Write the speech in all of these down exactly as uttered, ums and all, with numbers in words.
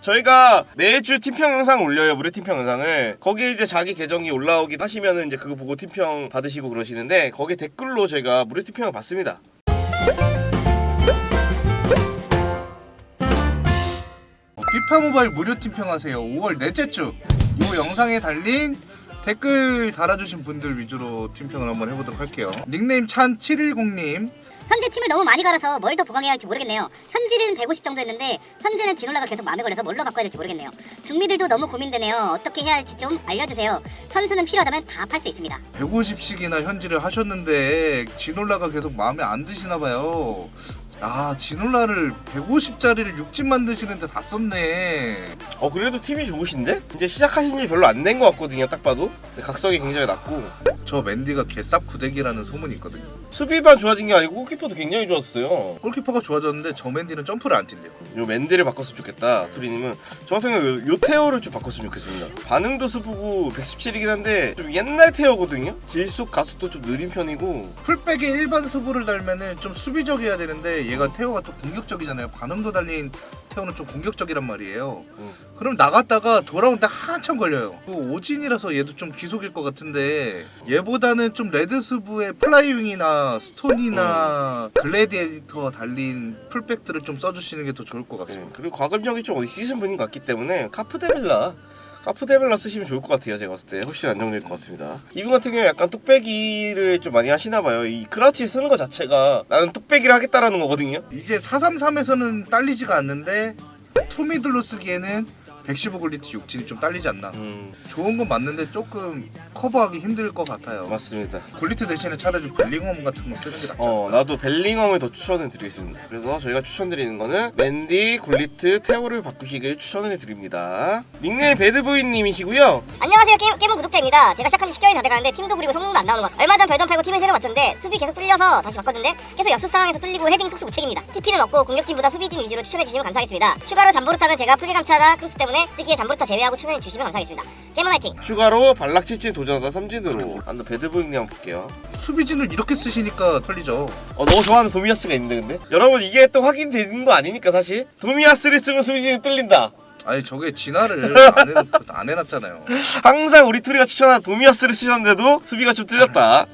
저희가 매주 팀평 영상 올려요. 무료 팀평 영상을. 거기에 이제 자기 계정이 올라오긴 하시면은 이제 그거 보고 팀평 받으시고 그러시는데 거기에 댓글로 저희가 무료 팀평을 받습니다. 피파 모바일 무료 팀평하세요. 오월 넷째 주 이 영상에 달린 댓글 달아주신 분들 위주로 팀평을 한번 해보도록 할게요. 닉네임 찬 칠일공님. 현재 팀을 너무 많이 갈아서 뭘 더 보강해야 할지 모르겠네요. 현질은 백오십 정도 했는데 현재는 진올라가 계속 마음에 걸려서 뭘로 바꿔야 될지 모르겠네요. 중미들도 너무 고민되네요. 어떻게 해야 할지 좀 알려주세요. 선수는 필요하다면 다 팔 수 있습니다. 백오십씩이나 현질을 하셨는데 진올라가 계속 마음에 안 드시나봐요. 아, 진올라를 백오십짜리를 육 집 만드시는데 다 썼네. 어 그래도 팀이 좋으신데? 이제 시작하신 지 별로 안 된 것 같거든요. 딱 봐도. 각성이 굉장히 낮고 저 맨디가 개쌉 구대기라는 소문이 있거든요. 수비만 좋아진 게 아니고 골키퍼도 굉장히 좋았어요. 골키퍼가 좋아졌는데 저 맨디는 점프를 안 뛴대요. 요 맨디를 바꿨으면 좋겠다. 투리님은 저 같은 경우 요, 요 테오를 좀 바꿨으면 좋겠습니다. 반응도 스프고 백십칠이긴 한데 좀 옛날 테오거든요. 질속 가속도 좀 느린 편이고 풀백에 일반 수부를 달면은 좀 수비적이어야 되는데 얘가 테오가 또 공격적이잖아요. 반응도 달린 테오는 좀 공격적이란 말이에요. 음. 그럼 나갔다가 돌아오는데 한참 걸려요. 그 오진이라서 얘도 좀 기속일 것 같은데 얘보다는 좀 레드 수부의 플라이윙이나 스톤이나 음. 글래디에이터 달린 풀백들을 좀 써주시는 게 더 좋을 것 같습니다. 네. 그리고 과금력이 좀 어디 시즌 분인 것 같기 때문에 카프데빌라 카프데빌라 쓰시면 좋을 것 같아요. 제가 봤을 때 훨씬 안정될 것 같습니다. 이분 같은 경우에 약간 뚝배기를 좀 많이 하시나봐요. 이 크라우치 쓰는 것 자체가 나는 뚝배기를 하겠다라는 거거든요. 이제 사삼삼에서는 딸리지가 않는데 투미들로 쓰기에는 백십오 굴리트 육진이 좀 딸리지 않나. 음, 좋은 건 맞는데 조금 커버하기 힘들 것 같아요. 맞습니다. 굴리트 대신에 차라리 벨링엄 같은 거 쓰는 게 낫죠. 어 나도 벨링엄을 더 추천해 드리겠습니다. 그래서 저희가 추천드리는 거는 맨디, 굴리트, 테오를 바꾸시길 추천해 드립니다. 닉네임 배드보이님이시고요. 안녕하세요. 게임, 게임은 구독자입니다. 제가 시작한 지 십 개월이 다 돼가는데 팀도 부리고 성능도 안 나오는 것 같아요. 얼마 전 별돈 팔고 팀을 새로 맞췄는데 수비 계속 뚫려서 다시 바꿨는데 계속 역습 상황에서 뚫리고 헤딩 속수 무책입니다. 티피는 없고 공격팀보다 수비진 위주로 추천해주시면 감사하겠습니다. 추가로 잠보르타는 제가 풀개 감차나 크로스 때문에 쓰기에 잠보르타 제외하고 추천해주시면 감사하겠습니다. 게임은 화이팅! 추가로 발락 칠진 도전하다 삼진으로 한번 배드보이님 한번 볼게요. 수비진을 이렇게 쓰시니까 털리죠. 어 너무 좋아하는 도미아스가 있는데 근데? 여러분 이게 또 확인되는 거 아닙니까 사실? 도미아스를 쓰면 수비진이 뚫린다. 아니 저게 진화를 안, 해, 안 해놨잖아요. 항상 우리 투리가 추천한 도미아스를 쓰셨는데도 수비가 좀 뚫렸다.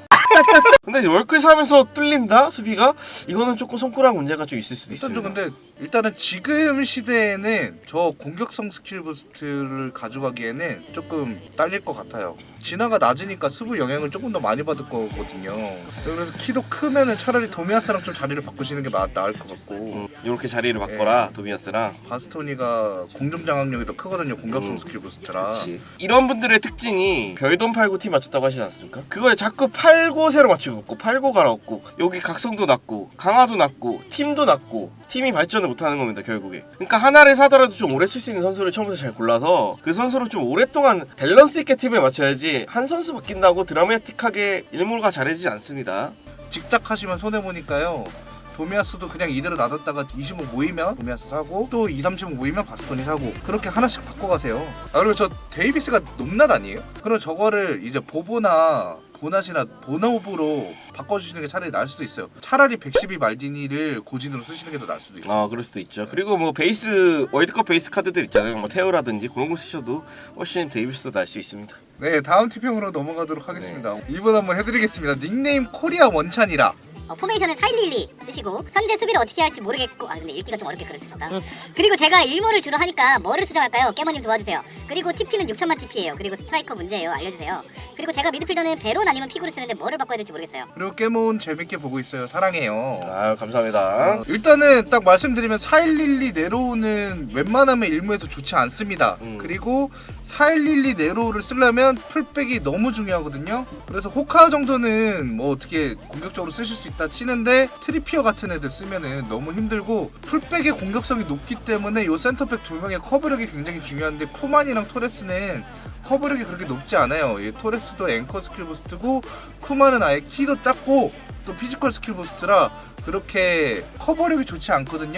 근데 월클 사면서 뚫린다? 수비가? 이거는 조금 손가락 문제가 좀 있을 수도 일단 있습니다. 좀 근데 일단은 지금 시대에는 저 공격성 스킬 부스트를 가져가기에는 조금 딸릴 것 같아요. 진화가 낮으니까 수부 영향을 조금 더 많이 받을 거거든요. 그래서 키도 크면은 차라리 도미아스랑 좀 자리를 바꾸시는 게 나, 나을 것 같고. 음, 이렇게 자리를 바꿔라. 네. 도미아스랑. 바스토니가 공중 장악력이 더 크거든요. 공격성 음, 스킬 부스트라. 그치. 이런 분들의 특징이 별돈 팔고 팀 맞췄다고 하시지 않습니까? 그걸 자꾸 팔고 새로 맞추고 있고 팔고 갈아엎고 여기 각성도 낮고 강화도 낮고 팀도 낮고 팀이 발전을 못하는 겁니다 결국에. 그러니까 하나를 사더라도 좀 오래 쓸 수 있는 선수를 처음부터 잘 골라서 그 선수를 좀 오랫동안 밸런스 있게 팀에 맞춰야지 한 선수 바뀐다고 드라마틱하게 일몰가 잘해지지 않습니다. 직작하시면 손해보니까요. 도미아스도 그냥 이대로 놔뒀다가 이십오 모이면 도미아스 사고 또 이, 삼십오 모이면 바스토니 사고 그렇게 하나씩 바꿔가세요. 아 그리고 저 데이비스가 높낮 아니에요? 그럼 저거를 이제 보보나 보낫이나 보나우브로 바꿔주시는 게 차라리 나을 수도 있어요. 차라리 백십이 말디니를 고진으로 쓰시는 게 더 나을 수도 있어요. 아 그럴 수도 있죠. 그리고 뭐 베이스 월드컵 베이스 카드들 있잖아요. 뭐 테오라든지 그런 거 쓰셔도 훨씬 데이비스도 날 수 있습니다. 네, 다음 티평으로 넘어가도록 하겠습니다. 네. 이분 한번 해드리겠습니다. 닉네임 코리아 원찬이라. 어, 포메이션은 사일일이 쓰시고 현재 수비를 어떻게 할지 모르겠고 아 근데 읽기가 좀 어렵게 글을 쓰셨다. 음. 그리고 제가 일모를 주로 하니까 뭐를 수정할까요? 깨머님 도와주세요. 그리고 티피는 육천만 티피예요. 그리고 스트라이커 문제예요. 알려주세요. 그리고 제가 미드필더는 베론 아니면 피구를 쓰는데 뭐를 바꿔야 될지 모르겠어요. 그리고 깨몬 재밌게 보고 있어요. 사랑해요. 아 감사합니다. 어, 일단은 딱 말씀드리면 사일일이 네로우는 웬만하면 일무에서 좋지 않습니다. 음. 그리고 사일일이 네로우를 쓰려면 풀백이 너무 중요하거든요. 그래서 호카 정도는 뭐 어떻게 공격적으로 쓰실 수 있다 치는데 트리피어 같은 애들 쓰면은 너무 힘들고 풀백의 공격성이 높기 때문에 요 센터백 두 명의 커버력이 굉장히 중요한데 쿠만이랑 토레스는 커버력이 그렇게 높지 않아요. 이 토레스도 앵커 스킬 부스트고 쿠만은 아예 키도 작고 또 피지컬 스킬 부스트라 그렇게 커버력이 좋지 않거든요.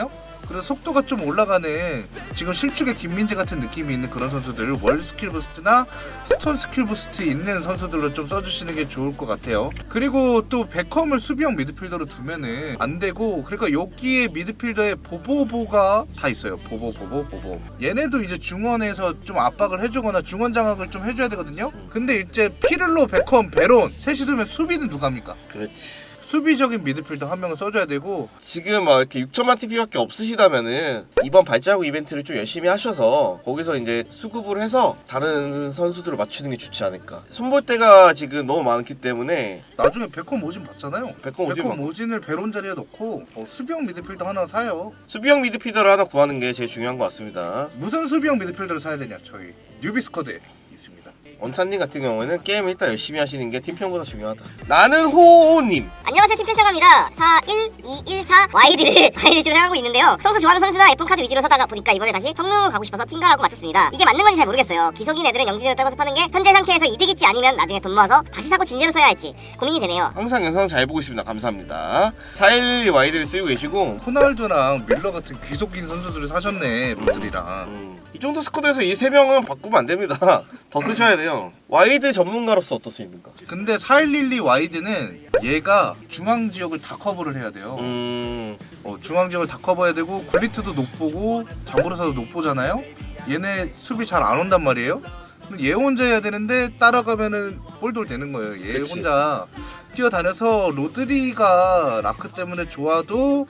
그래서 속도가 좀 올라가는 지금 실축의 김민재 같은 느낌이 있는 그런 선수들 월 스킬 부스트나 스톤 스킬 부스트 있는 선수들로 좀 써주시는 게 좋을 것 같아요. 그리고 또 베컴을 수비형 미드필더로 두면은 안 되고, 그러니까 여기에 미드필더에 보보보가 다 있어요. 보보 보보 보보. 얘네도 이제 중원에서 좀 압박을 해주거나 중원 장악을 좀 해줘야 되거든요. 근데 이제 피를로, 베컴, 베론 셋이 두면 수비는 누가 합니까? 그렇지. 수비적인 미드필더 한 명을 써줘야 되고, 지금 막 이렇게 육천만 티피밖에 없으시다면은 이번 발자국 이벤트를 좀 열심히 하셔서 거기서 이제 수급을 해서 다른 선수들을 맞추는 게 좋지 않을까. 손볼때가 지금 너무 많기 때문에 나중에 베컴 오진 받잖아요. 베컴 오진 받고. 오진을 베론 자리에 넣고 어, 수비형 미드필더 하나 사요. 수비형 미드필더를 하나 구하는 게 제일 중요한 것 같습니다. 무슨 수비형 미드필더를 사야 되냐? 저희 뉴비 스쿼드에 있습니다. 원찬님 같은 경우에는 게임 일단 열심히 하시는 게 팀평보다 중요하다. 나는 호호님. 안녕하세요, 팀 편성합니다. 사 일 이 일 사 와이드를 와이드 주로 사용하고 있는데요. 평소 좋아하는 선수나 에프 원 카드 위주로 사다가 보니까 이번에 다시 성능을 가고 싶어서 팀가라고 맞췄습니다. 이게 맞는 건지 잘 모르겠어요. 기속인 애들은 영진으로 따고서 파는 게 현재 상태에서 이득일지 아니면 나중에 돈 모아서 다시 사고 진제로 써야 할지 고민이 되네요. 항상 영상 잘 보고 있습니다. 감사합니다. 사일일이 와이드를 쓰고 계시고 호날두랑 밀러 같은 귀속인 선수들을 사셨네, 롯들이랑. 음, 이 정도 스쿼드에서 이 세 명은 바꾸면 안 됩니다. 더 쓰셔야 돼요. 와이드 전문가로서 어떻습니까? 근데 사일일이 와이드는 얘가 중앙 지역을 다 커버를 해야 돼요. 음, 어, 중앙 지역을 다 커버해야 되고 굴리트도 높보고 자고르사도 높보잖아요. 얘네 수비 잘 안 온단 말이에요. 그럼 얘 혼자 해야 되는데 따라가면은 볼돌 되는 거예요. 얘 그치. 혼자 뛰어다녀서 로드리가 라크 때문에 좋아도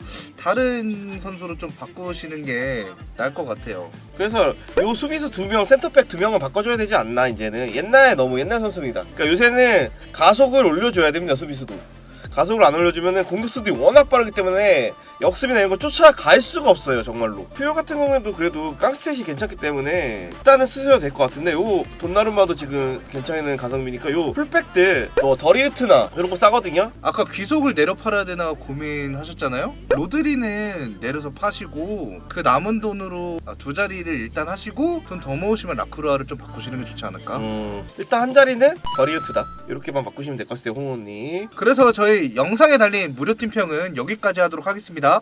다른 선수로 좀 바꾸시는 게 나을 것 같아요. 그래서 요 수비수 두 명, 센터백 두 명은 바꿔줘야 되지 않나 이제는. 옛날에 너무 옛날 선수입니다. 그러니까 요새는 가속을 올려줘야 됩니다. 수비수도. 가속을 안 올려주면은 공격수들이 워낙 빠르기 때문에 역습이나 이런 거 쫓아갈 수가 없어요. 정말로. 퓨어 같은 경우에도 그래도 깡스탯이 괜찮기 때문에 일단은 쓰셔도 될 것 같은데, 요 돈나룸마도 지금 괜찮은 가성비니까 요 풀백들 뭐 더리우트나 이런 거 싸거든요. 아까 귀속을 내려 팔아야 되나 고민하셨잖아요. 로드리는 내려서 파시고 그 남은 돈으로 두 자리를 일단 하시고 돈 더 모으시면 라크루아를 좀 바꾸시는 게 좋지 않을까. 음, 일단 한 자리는 더리우트다. 이렇게만 바꾸시면 될 것 같아요, 홍호님. 그래서 저희 영상에 달린 무료 팀평은 여기까지 하도록 하겠습니다.